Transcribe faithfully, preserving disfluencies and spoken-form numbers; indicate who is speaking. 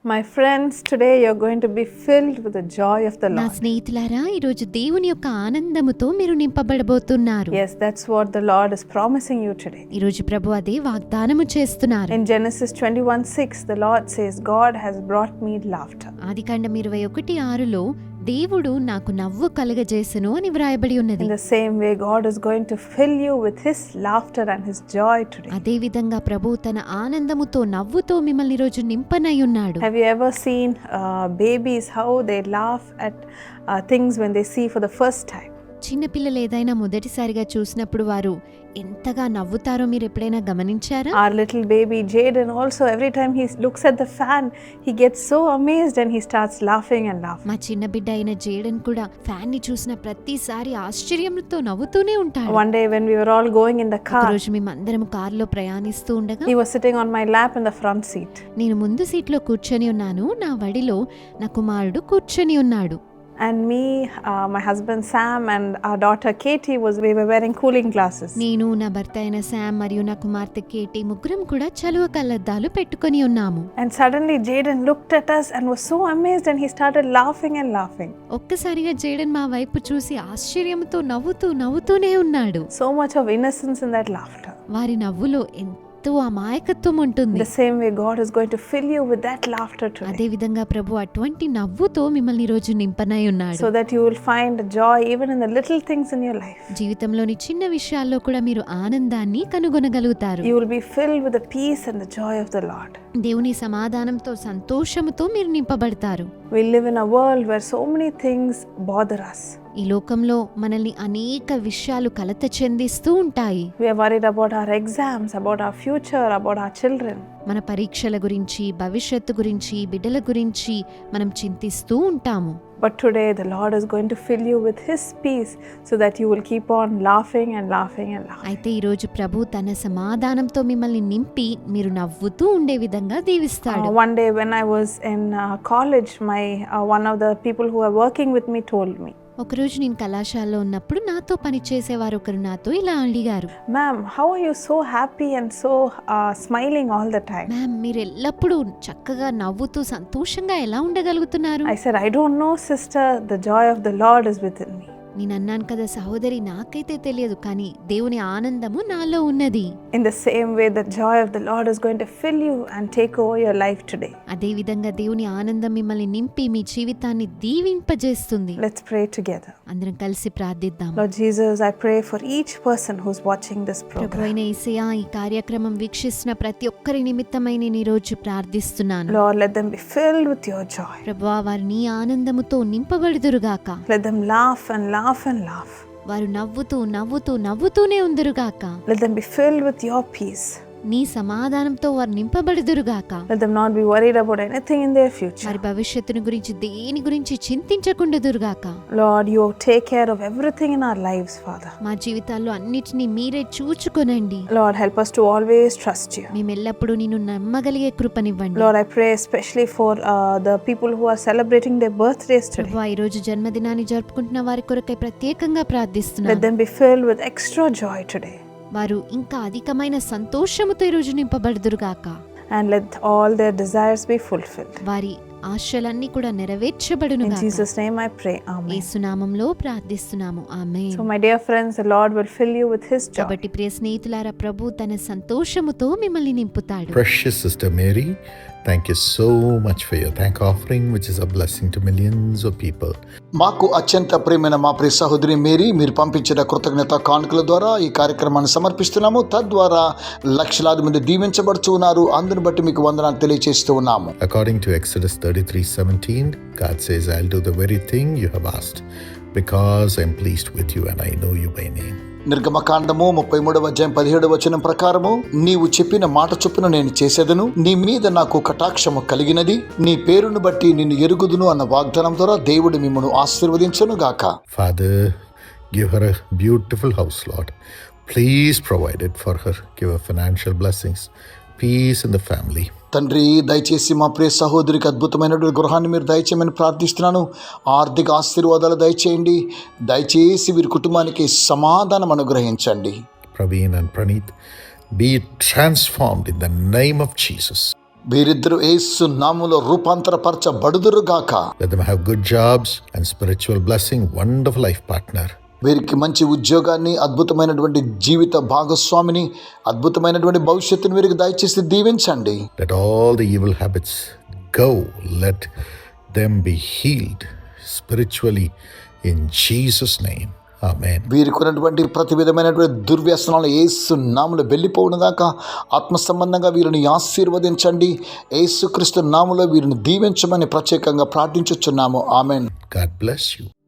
Speaker 1: My friends, today you're going to be filled with the joy of the
Speaker 2: నా
Speaker 1: Lord.
Speaker 2: స్నేహితులారా, ఈరోజు దేవుని యొక్క ఆనందముతో మీరు నింపబడబోతున్నారు.
Speaker 1: Yes, that's what the Lord is promising you today.
Speaker 2: ఈరోజు ప్రభు అదే వాగ్దానము చేస్తున్నారు.
Speaker 1: In Genesis twenty-one six, the Lord says, God has brought me laughter.
Speaker 2: ఆదికాండం ఇరవై ఒకటి ఆరులో దేవుడు నాకు నవ్వు కలుగజేసెను అని వ్రాయబడి ఉన్నది.
Speaker 1: In the same way, God is going to fill you with His laughter and His joy today.
Speaker 2: అదే విధంగా ప్రభు తన ఆనందముతో నవ్వుతో మిమ్మల్ని ఈరోజు నింపనై ఉన్నాడు.
Speaker 1: Have you ever seen uh, babies, how they laugh at uh, things when they see for the first time?
Speaker 2: చిన్నపిల్లలు ఏదైనా మొదటిసారిగా చూసినప్పుడు వారు ఎంతగా నవ్వుతారో మీరు ఎప్పుడైనా గమనించారా?
Speaker 1: Our little baby Jaden also, every time he looks at the fan, he gets so amazed and he starts laughing and laughing.
Speaker 2: మా చిన్న బిడ్డ అయిన జేడన్ కూడా ఫ్యాన్ ని చూసిన ప్రతిసారి ఆశ్చర్యంతో నవ్వుతూనే ఉంటాడు.
Speaker 1: One day when we were all going in the car,
Speaker 2: రోజు మేమందరం కారులో ప్రయాణిస్తూ ఉండగా
Speaker 1: he was sitting on my lap in the front seat.
Speaker 2: నేను ముందు సీట్లో కూర్చొని ఉన్నాను, నా వడిలో నా కుమారుడు కూర్చొని ఉన్నాడు.
Speaker 1: And me, uh, my husband Sam and our daughter Katie was we were wearing cooling glasses.
Speaker 2: నేను నా భర్త అయిన శామ్ మరియు నా కుమార్తె కేటీ ముగ్గురం కూడా చలువ కళ్ళద్దాలు పెట్టుకొని ఉన్నాము.
Speaker 1: And suddenly Jaden looked at us and was so amazed and he started laughing and laughing.
Speaker 2: ఒక్కసారిగా జేడన్ మా వైపు చూసి ఆశ్చర్యంతో నవ్వుతూ నవ్వుతూనే ఉన్నాడు.
Speaker 1: So much of innocence in that laughter.
Speaker 2: వారి నవ్వులో ఎంతో అమాయకత్వం ఉంటుంది.
Speaker 1: The same way God is going to fill you with that laughter today.
Speaker 2: అదే విధంగా ప్రభు అటువంటి నవ్వుతో మిమ్మల్ని రోజు నింపనై ఉన్నాడు.
Speaker 1: So that you will find joy even in the little things in your life.
Speaker 2: జీవితంలోని చిన్న విషయాల్లో కూడా మీరు ఆనందాన్ని కనుగొనగలుగుతారు.
Speaker 1: You will be filled with the peace and the joy of the Lord.
Speaker 2: దేవుని సమాధానంతో సంతోషముతో మీరు నింపబడతారు.
Speaker 1: We live in a world where so many things bother us.
Speaker 2: ఈ లోకంలో మనల్ని అనేక విషయాలు కలత చెందిస్తూ ఉంటాయి.
Speaker 1: We are worried about our exams, about our future, about our children.
Speaker 2: మన పరీక్షల గురించి, భవిష్యత్తు గురించి, బిడ్డల గురించి మనం చింతిస్తూ ఉంటాము.
Speaker 1: But today the Lord is going to fill you with His peace so that you will keep on laughing and laughing and laughing.
Speaker 2: అయితే ఈరోజు ప్రభు తన సమాధానంతో మిమ్మల్ని నింపి మీరు నవ్వుతూ ఉండే విధంగా దీవిస్తాడు.
Speaker 1: Uh, one day when I was in uh, college, my uh, one of the people who were working with me told me,
Speaker 2: ఒకరోజు నేను కళాశాలలో ఉన్నప్పుడు నాతో పనిచేసేవారు ఒకరు నాతో ఇలా అడిగారు,
Speaker 1: "Ma'am, how are you so happy and so uh, smiling all the time?"
Speaker 2: Ma'am, మీరు ఎల్లప్పుడూ చక్కగా నవ్వుతూ సంతోషంగా ఎలా ఉండగలుగుతున్నారు?
Speaker 1: I said, "I don't know, sister. The joy of the Lord is within me."
Speaker 2: నేను అన్నాను కదా సహోదరి, నాకైతే తెలియదు, కానీ దేవుని ఆనందము నాలో ఉన్నది.
Speaker 1: In the same way, the joy of the Lord is going to fill you and take over your life today.
Speaker 2: అదే విధంగా దేవుని ఆనందం మిమ్మల్ని నింపి మీ జీవితాన్ని దీవింపజేస్తుంది.
Speaker 1: Let's pray together.
Speaker 2: అందరం కలిసి ప్రార్థిద్దాం.
Speaker 1: Lord Jesus, I pray for each person who's watching this program.
Speaker 2: ప్రభువైన యేసయ్యా, ఈ కార్యక్రమం వీక్షిస్తున్న ప్రతి ఒక్కరి నిమిత్తమై నేను ఈ రోజు ప్రార్థిస్తున్నాను.
Speaker 1: Lord, let them be filled with your joy.
Speaker 2: ప్రభువా, వారు నీ ఆనందముతో నింపబడుదురుగాక.
Speaker 1: Let them laugh and laugh and laugh.
Speaker 2: వారు నవ్వుతూ నవ్వుతూ నవ్వుతూనే ఉందురుగాక.
Speaker 1: Let them be filled with your peace.
Speaker 2: నీ సమాధానంతో వారు నింపబడుదురుగాక.
Speaker 1: Let them not be worried about anything in their future.
Speaker 2: వారి భవిష్యత్తును గురించి దేని గురించి చింతించకుండుదురుగాక.
Speaker 1: Lord, you take care of everything in our lives, Father.
Speaker 2: మా జీవితాల్లో అన్నిటినీ మీరే చూచుకొనండి.
Speaker 1: Lord, help us to always trust you.
Speaker 2: మేము ఎల్లప్పుడూ నిన్ను నమ్మగలిగే కృపనివ్వండి.
Speaker 1: Lord, I pray especially for uh, the people who are celebrating their birthdays today.
Speaker 2: ప్రభువా, ఈ రోజు జన్మదినాన్ని జరుపుకుంటున్న వారి కొరకై ప్రత్యేకంగా ప్రార్థిస్తున్నాను.
Speaker 1: Let them be filled with extra joy today.
Speaker 2: వారు ఇంకా అధికమైన సంతోషముతో ఈ రోజు నింపబడుదురుగాక.
Speaker 1: And let all their desires be fulfilled.
Speaker 2: వారి ఆశలన్నీ కూడా నెరవేర్చబడునుగాక.
Speaker 1: In Jesus' name I pray. Amen.
Speaker 2: యేసు నామములో ప్రార్థిస్తున్నాము. ఆమేన్.
Speaker 1: So my dear friends, the Lord will fill you with His joy.
Speaker 2: కాబట్టి ప్రియ స్నేహితులారా, ప్రభు తన సంతోషముతో మిమ్మల్ని నింపుతాడు.
Speaker 3: Precious Sister Mary, thank you so much for your thank offering, which is a blessing to millions of people.
Speaker 4: మాకు అత్యంత ప్రియమైన మా ప్రియ సహోదరి మేరీ, మీరు పంపించిన కృతజ్ఞత కానుకల ద్వారా ఈ కార్యక్రమాన్ని సమర్పిస్తున్నాము. తద్వారా లక్షలాది మంది దీవించబడుతూ ఉన్నారు. అందుని బట్టి మీకు వందనాలు తెలియజేస్తూ ఉన్నాము.
Speaker 3: According to Exodus thirty-three seventeen, God says, I'll do the very thing you have asked, because I'm pleased with you and I know you by name.
Speaker 4: నిర్గమకాండము ముప్పై మూడవ అధ్యాయం పదిహేడవ వచనం ప్రకారము, నీవు చెప్పిన మాట చొప్పున నేను చేసేదను, నీ మీద నాకు కటాక్షము కలిగినది, నీ పేరును బట్టి నిన్ను ఎరుగుదును అన్న వాగ్దానం ద్వారా దేవుడు మిమ్మను ఆశీర్వదించును గాక.
Speaker 3: Father, give her a beautiful house, Lord. Please provide it for her. Give her financial blessings, peace in the family.
Speaker 4: తండ్రి, దయచేసి మా ప్రియ సహోదరికి అద్భుతమైనటువంటి గృహాన్ని మీరు దయచేయమని ప్రార్థిస్తున్నాను. ఆర్థిక ఆశీర్వాదాలు దయచేయండి. దయచేసి వీరి కుటుంబానికి సమాధానం అనుగ్రహించండి.
Speaker 3: Praveen and Praneeth, be transformed in the name of Jesus.
Speaker 4: వీరిద్దరూ యేసు నామములో రూపాంతరపరచబడుదురుగాక.
Speaker 3: Let them have good jobs and spiritual blessing, wonderful life partner.
Speaker 4: వీరికి మంచి ఉద్యోగాన్ని, అద్భుతమైనటువంటి జీవిత భాగస్వామిని, అద్భుతమైనటువంటి భవిష్యత్తుని వీరికి దయచేసి దీవించండి.
Speaker 3: Let all the evil habits go. Let them be healed spiritually in Jesus' name. Amen.
Speaker 4: వీరికి ఉన్నటువంటి ప్రతి విధమైనటువంటి దుర్వ్యసనాలు యేసు నామములో వెళ్ళిపోవును గాక. ఆత్మ సంబంధంగా వీరిని ఆశీర్వదించండి. యేసుక్రీస్తు నామములో వీరిని దీవించమని ప్రత్యేకంగా ప్రార్థించుచున్నాము. ఆమేన్.
Speaker 3: God bless you.